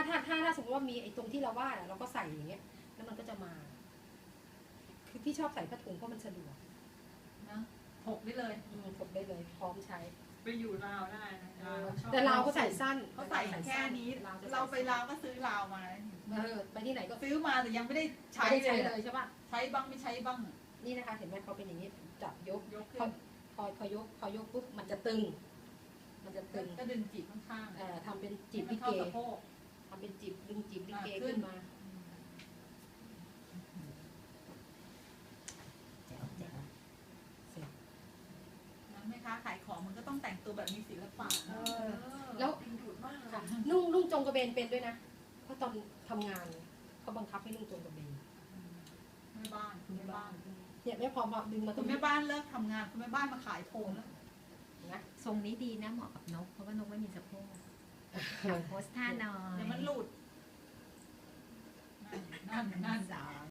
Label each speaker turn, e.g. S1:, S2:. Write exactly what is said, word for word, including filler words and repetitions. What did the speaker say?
S1: ถ้าถ้าถ้าสมมติว่ามีไอ้ตรงที่เราวาดอะเราก็ใส่อย่างเงี้ยแล้วมันก็จะมา คือพี่ชอบใส่ผ้าถุงเพราะมันสะดวก
S2: นะถกได้เลย
S1: อืมถกได้เลยพร้อมใช้
S3: ไปอยู่ลาวได้นะลาวชอบ
S1: แต่เราก็ใส่สั้น
S2: เขาใส่แค่นี้ เราไปลาวก็ซื้อลาวมา
S1: เออไปที่ไหนก็
S2: ซื้อมาแต่ยังไม่ได้ใช้
S1: ไม่ได้
S2: เล
S1: ใช้
S2: ย
S1: เลยใช่ป่ะ
S2: ใช้บ้างไม่ใช้บ้าง
S1: นี่นะคะเห็นไหมเขาเป็นอย่างนี้จับยก
S2: ยก
S1: พอ
S2: ขึ้น
S1: พอพอยกพอยกปุ๊บมันจะตึง มันจะตึง
S2: ก็ดึงจีบข้าง
S1: เอ่อทำเป็น
S2: ๆ
S1: จีบ
S2: ให้
S1: ลิ
S2: มัน
S1: เก
S2: เข้าสะโพก
S1: ทำเป็นจีบดึงจีบลิเก
S2: อ่ะขึ้
S1: ขึ้
S2: น
S1: นมาแจ๋วแจ๋วเสร็จ
S2: นะแม่ค้าขายของมันก็ต้องแต่งตัวแบบมีศิลปะ
S1: เอ
S2: เอ
S1: อ
S2: อ
S1: แล้ว
S3: ดึงดูดมาก
S1: ค่ะนุ่งนุ่งจงกระเบนเป็นด้วยนะ เพราะตอนทำงานเขาบังคับให้นุ่งจงกระเบน
S2: แม่บ้านคุณแม่บ้าน
S1: เนี่ยไม่พอพอดึงมาต
S2: คุ
S1: ร
S2: ณ
S1: ง
S2: แม่
S1: นี้
S2: บ้านเลิกทำงานคุณแม่บ้านมาขายโทนแล้ว
S1: นะ
S4: ทรงนี้ดีนะเหมาะกับนก เพราะว่านกไม่มีสะโพกโพสท่านอ
S2: เดี๋ยวย มันหลุดนั่นนั่นนั่น
S4: สอง